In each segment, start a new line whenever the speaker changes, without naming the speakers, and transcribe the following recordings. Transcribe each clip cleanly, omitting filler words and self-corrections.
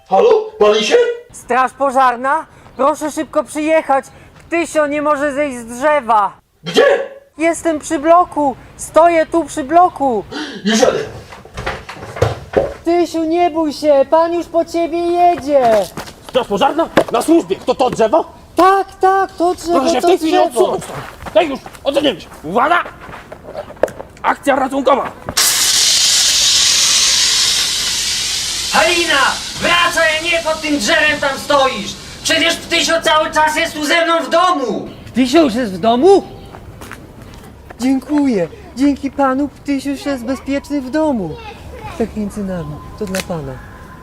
Halo? Pali się?
Straż pożarna? Proszę szybko przyjechać. Ptysio nie może zejść z drzewa.
Gdzie?
Jestem przy bloku. Stoję tu przy bloku.
Już jadę.
Ptysiu, nie bój się. Pan już po ciebie jedzie.
Straż pożarna? Na służbie! Kto to drzewo?
Tak, to drzewo,
Proszę się w
to
tej chwili
drzewo.
odsunąć stąd. Tak już, odsuniemy się. Uwaga! Akcja ratunkowa!
Halina! Wracaj, nie pod tym drzewem tam stoisz! Przecież Ptysio cały czas jest tu ze mną w domu! Ptysio już jest w domu? Dziękuję. Dzięki panu Ptysio już jest bezpieczny w domu. Tak między nami. To dla pana.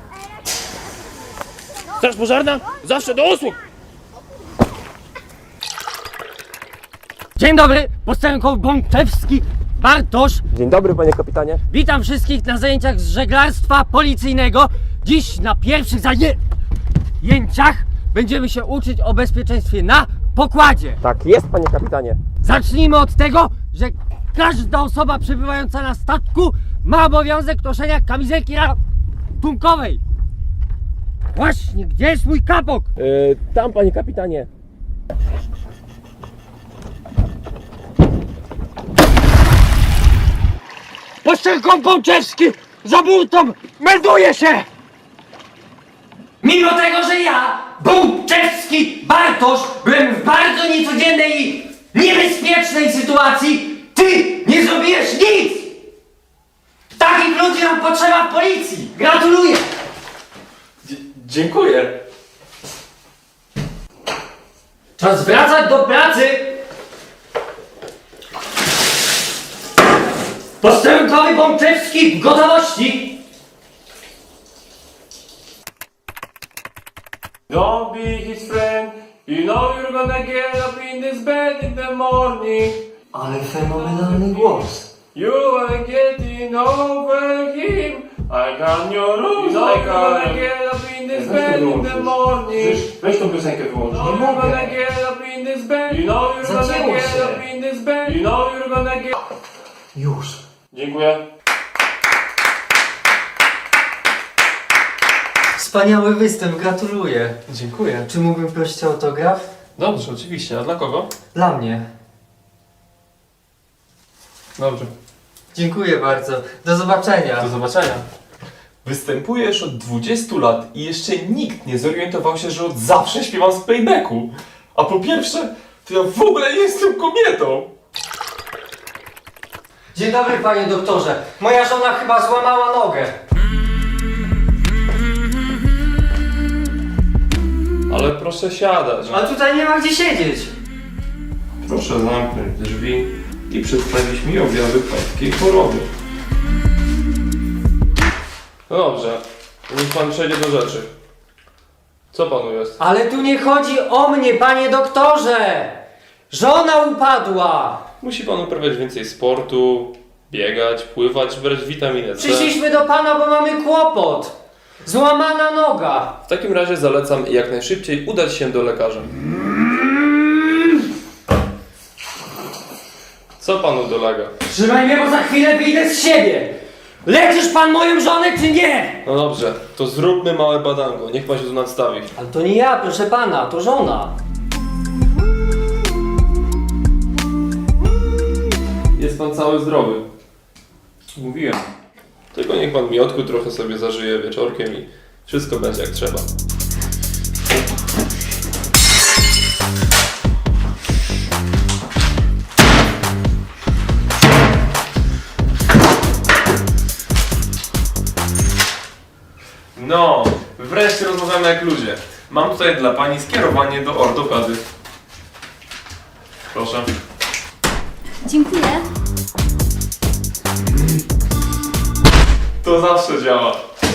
Straż pożarna? Zawsze do usług!
Dzień dobry, posterunkowy Bączewski, Bartosz.
Dzień dobry, panie kapitanie.
Witam wszystkich na zajęciach z żeglarstwa policyjnego. Dziś na pierwszych zajęciach będziemy się uczyć o bezpieczeństwie na pokładzie.
Tak jest, panie kapitanie.
Zacznijmy od tego, że każda osoba przebywająca na statku ma obowiązek noszenia kamizelki ratunkowej. Właśnie, gdzie jest mój kapok?
Tam, panie kapitanie.
Posterunkowy Bączewski za burtą melduje się! Mimo tego, że ja, Bączewski Bartosz, byłem w bardzo niecodziennej i niebezpiecznej sytuacji, ty nie zrobiłeś nic! Takich ludzi nam potrzeba w policji! Gratuluję!
Dziękuję.
Czas wracać do pracy! Posterunkowy Bączewski w gotowości!
Don't be his friend. You know you're gonna get up in this bed in the morning.
Ale fenomenalny głos!
You are getting over him. I got your rules. You know you're gonna get up in this bed in the morning.
Weź tą piosenkę wyłącz.
You know you're gonna get up in this bed. You know you're gonna
Zacięło
get
się.
up in this bed. You know you're gonna get...
Już.
Dziękuję.
Wspaniały występ, gratuluję.
Dziękuję.
Czy mógłbym prosić o autograf?
Dobrze, oczywiście. A dla kogo?
Dla mnie.
Dobrze.
Dziękuję bardzo. Do zobaczenia.
Do zobaczenia. Występujesz od 20 lat i jeszcze nikt nie zorientował się, że od zawsze śpiewam z playbacku. A po pierwsze, to ja w ogóle nie jestem kobietą.
Dzień dobry, panie doktorze. Moja żona chyba złamała nogę.
Ale proszę siadać.
Ale tutaj nie ma gdzie siedzieć.
Proszę zamknąć drzwi i przedstawić mi objawy pańskiej choroby. No dobrze, niech pan przejdzie do rzeczy. Co panu jest?
Ale tu nie chodzi o mnie, panie doktorze! Żona upadła!
Musi pan uprawiać więcej sportu, biegać, pływać, brać witaminę C.
Przyszliśmy do pana, bo mamy kłopot! Złamana noga!
W takim razie zalecam jak najszybciej udać się do lekarza. Co panu dolega?
Trzymaj mnie, bo za chwilę wyjdę z siebie! Leczysz pan moją żonę, czy nie?
No dobrze, to zróbmy małe badango, niech pan się tu nadstawi.
Ale to nie ja, proszę pana, to żona.
Jest pan cały zdrowy. Mówiłem. Tylko niech pan miodku trochę sobie zażyje wieczorkiem i wszystko będzie jak trzeba.
No, wreszcie rozmawiamy jak ludzie. Mam tutaj dla pani skierowanie do ortopedy. Proszę.
Dziękuję.
To zawsze działa.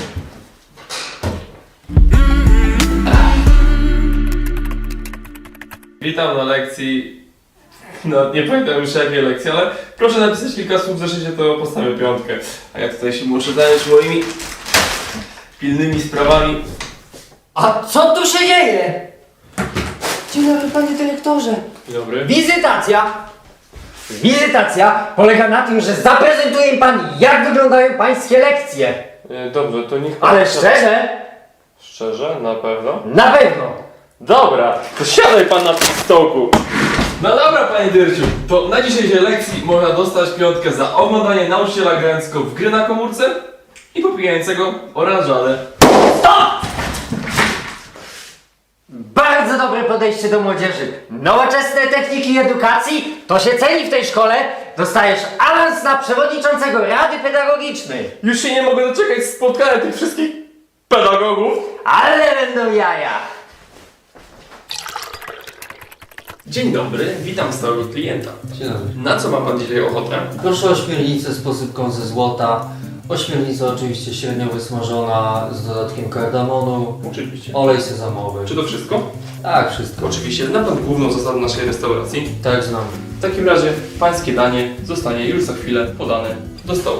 Witam na lekcji. No, nie pamiętam już jakiej lekcji, ale proszę napisać kilka słów w zeszycie, to postawię piątkę. A ja tutaj się muszę zająć moimi pilnymi sprawami.
A co tu się dzieje? Dzień dobry, panie dyrektorze.
Dzień dobry.
Wizytacja polega na tym, że zaprezentuje mi pan, jak wyglądają pańskie lekcje.
Dobrze, to niech pan...
Ale szczerze,
Szczerze? Na pewno?
Na pewno!
Dobra, to siadaj pan na tym stołku.
No dobra, panie Dyrciu, to na dzisiejszej lekcji można dostać piątkę za oglądanie nauczyciela grającego w gry na komórce i popijającego oranżadę.
Bardzo dobre podejście do młodzieży. Nowoczesne techniki edukacji to się ceni w tej szkole. Dostajesz awans na przewodniczącego Rady Pedagogicznej.
Już się nie mogę doczekać spotkania tych wszystkich pedagogów.
Ale będą jaja.
Dzień dobry, witam stałego klienta.
Dzień dobry.
Na co ma pan dzisiaj ochotę?
Proszę o ośmiornicę z posypką ze złota. Ośmiornica oczywiście średnio wysmażona z dodatkiem kardamonu.
Oczywiście.
Olej sezamowy.
Czy to wszystko?
Tak, wszystko.
Oczywiście, zna pan główną zasadę naszej restauracji.
Tak, znam.
W takim razie pańskie danie zostanie już za chwilę podane do stołu.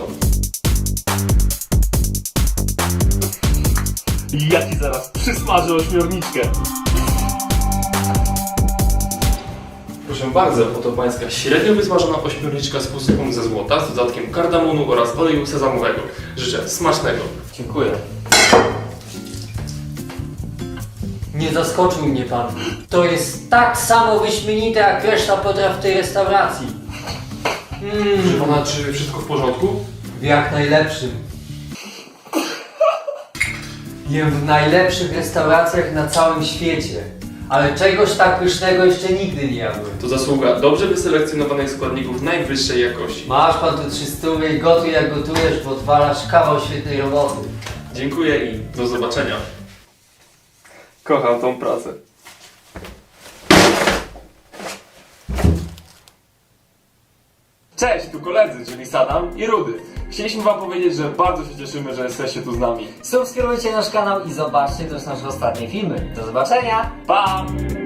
Ja ci zaraz przysmażę ośmiorniczkę.
Proszę bardzo, oto pańska średnio wysmażona ośmiorniczka z posypką ze złota z dodatkiem kardamonu oraz oleju sezamowego. Życzę smacznego.
Dziękuję.
Nie zaskoczył mnie pan. To jest tak samo wyśmienite jak reszta potraw w tej restauracji.
Proszę pana, czy wszystko w porządku?
W jak najlepszym. Jem w najlepszych restauracjach na całym świecie. Ale czegoś tak pysznego jeszcze nigdy nie jadłem.
To zasługa dobrze wyselekcjonowanych składników najwyższej jakości.
Masz pan tu 300 i gotuj jak gotujesz, bo odwalasz kawał świetnej roboty.
Dziękuję i do zobaczenia.
Kocham tą pracę. Cześć, tu koledzy, czyli Sadam i Rudy. Chcieliśmy wam powiedzieć, że bardzo się cieszymy, że jesteście tu z nami.
Subskrybujcie nasz kanał i zobaczcie też nasze ostatnie filmy. Do zobaczenia!
Pa!